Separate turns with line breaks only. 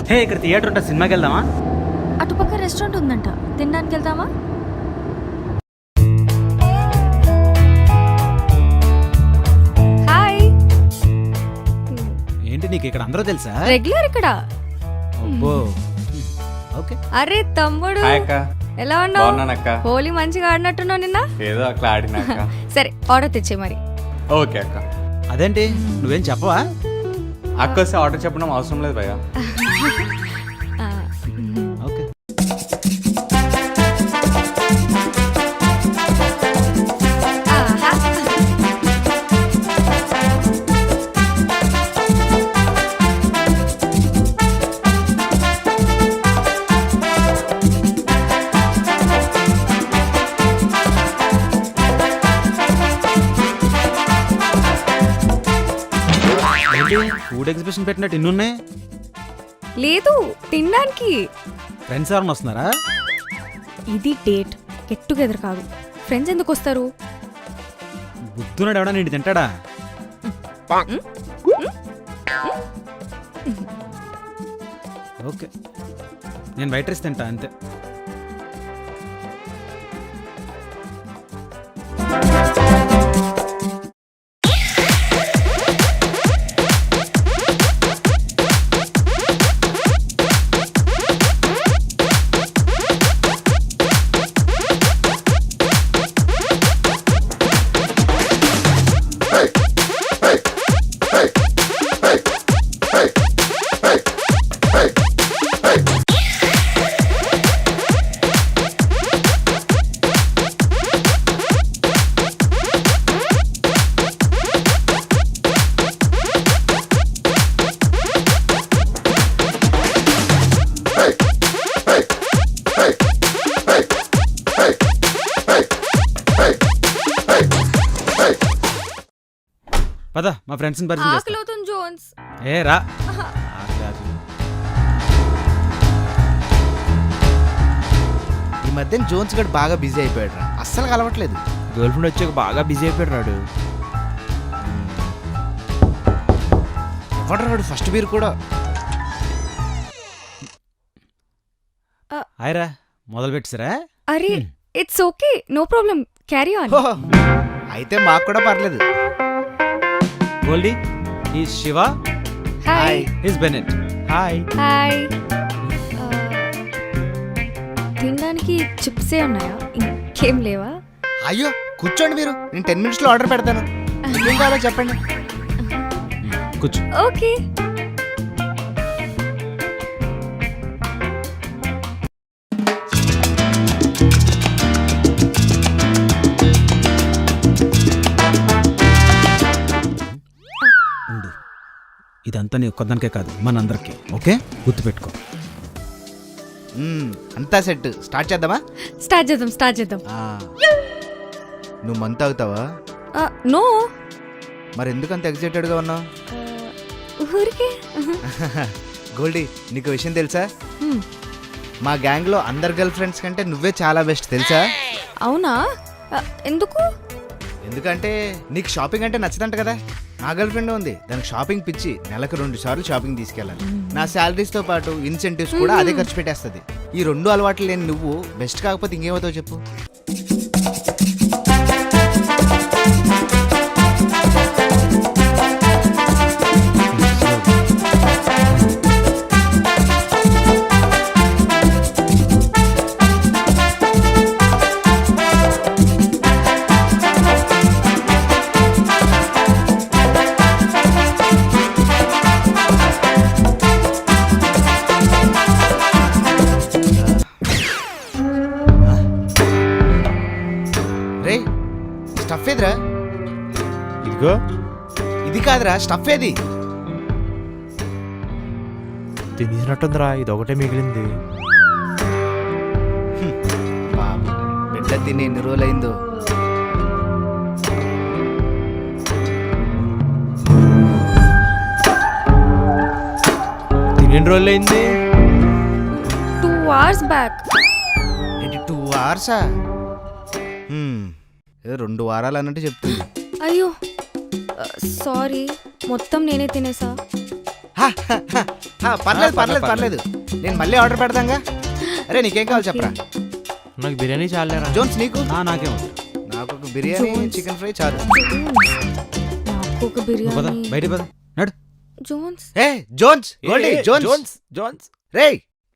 హే, ఇక్కడ థియేటర్ ఉంటే సినిమాకి వెళ్దామా?
అటుపక్క రెస్టారెంట్ ఉందంట, తినడానికి వెళ్దామా? హాయ్.
ఏంటి నీకు ఇక్కడ అందరూ తెలుసా?
రెగ్యులర్ ఇక్కడ.
అబ్బో, ఓకే.
అరే తమ్ముడు, ఎలా ఉన్నావు? హోలీ మంచిగా ఆడినట్టున్నావు నిన్న.
ఏదో అట్లా ఆడినాక.
సరే ఆర్డర్ తెచ్చే మరి.
ఓకే అక్క.
అదేంటి నువ్వేం చెప్పవా?
అక్క వస్తే ఆర్డర్ చెప్పడం అవసరం లేదు భయ్యా.
ఓకే. ఫుడ్ ఎగ్జిబిషన్ పెట్టినట్టు ఇన్ని ఉన్నాయి.
లేదు, తినడానికి.
ఫ్రెండ్స్ ఎవరైనా వస్తున్నారా?
ఇది డేట్, గెట్ టుగెదర్ కాదు. ఫ్రెండ్స్ ఎందుకు వస్తారు?
బుద్ధున్నాడు ఎవడా నీటి తింటాడా? ఓకే, నేను వైట్ రైస్ తింటా అంతే. పద, మా ఫ్రెండ్స్ ని పరిచయం చేస్తా.
ఆకలివుతుంది జోన్స్.
ఏ రా.
ఈ మధ్యన జోన్స్ గడ్ బాగా బిజీ అయిపోయాడు రా, అస్సలు కలవట్లేదు.
గర్ల్ ఫ్రెండ్ వచ్చాక బాగా బిజీ అయిపోయాడు రాడు.
ఎవడు రాడు ఫస్ట్ బీర్ కూడా.
హాయ్, మొదలు పెట్టారా?
అరే it's okay, no problem, carry on.
అయితే మాకు కూడా పర్లేదు.
Goldie, is Shiva.
Hi.
Is Bennett. Hi.
Hi. తినడానికి చిప్సే ఉన్నాయా, ఇంకేం లేవా?
అయ్యో కూర్చోండి మీరు, నేను 10 minutes లో ఆర్డర్ పెడతాను. ఏం కావాలో చెప్పండి.
కూర్చో.
ఓకే.
ఇదంతా నీ ఒక్కదానికే కాదు, మనందరికీ. ఓకే, గుర్తుపెట్టుకో.
అంతా సెట్. స్టార్ట్ చేద్దామా?
స్టార్ట్ చేద్దాం.
నువ్వు మంత్ అవుతావా?
నో.
మరి ఎందుకు అంత ఎక్సైటెడ్గా ఉన్నావు?
ఊరికే.
గోల్డీ, నీకు విషయం తెలుసా? మా గ్యాంగ్లో అందరు గర్ల్ ఫ్రెండ్స్ కంటే నువ్వే చాలా బెస్ట్, తెలుసా?
అవునా? ఎందుకు?
ఎందుకంటే నీకు షాపింగ్ అంటే నచ్చదంట కదా. నా గర్ల్ ఫ్రెండ్ ఉంది, దానికి షాపింగ్ పిచ్చి. నెలకు 2 సార్లు షాపింగ్ తీసుకెళ్ళాలి. నా శాలరీస్తో పాటు ఇన్సెంటివ్స్ కూడా అదే ఖర్చు పెట్టేస్తుంది. ఈ 2 అలవాట్లు లేని నువ్వు బెస్ట్ కాకపోతే ఇంకేమవుతావు చెప్పు? స్టఫ్ ఏదిరా?
ఇదిగో.
ఇది కాదురా, స్టఫ్ ఏది?
తినేసినట్టుందిరా, ఇది ఒకటే మిగిలింది.
బాబు, బిడ్డ తిని ఎన్ని రోజులైందో.
ఎన్ని రోజులైంది?
2 hours బ్యాక్.
ఏంటి 2 hours? ఏదో 2 వారాలు అన్నట్టు చెప్తుంది.
అయ్యో సారీ, మొత్తం నేనే తినేసా.
పర్లేదు పర్లేదు పర్లేదు నేను మళ్ళీ ఆర్డర్ పెడతాంగా. అరే నీకేం కావాలి చెప్పరా?
నాకు బిర్యానీ చాలేరా.
జోన్స్ నీకు?
నాకేం వద్దు.
నాకు ఒక బిర్యానీ చికెన్ ఫ్రై చాలు.
నాకు ఒక
నువ్వు పద
బిర్యానీ.
బయటికి పద నడు.
జోన్స్
ఏ Jones Goldie Jones
Jones Jones
రేయ్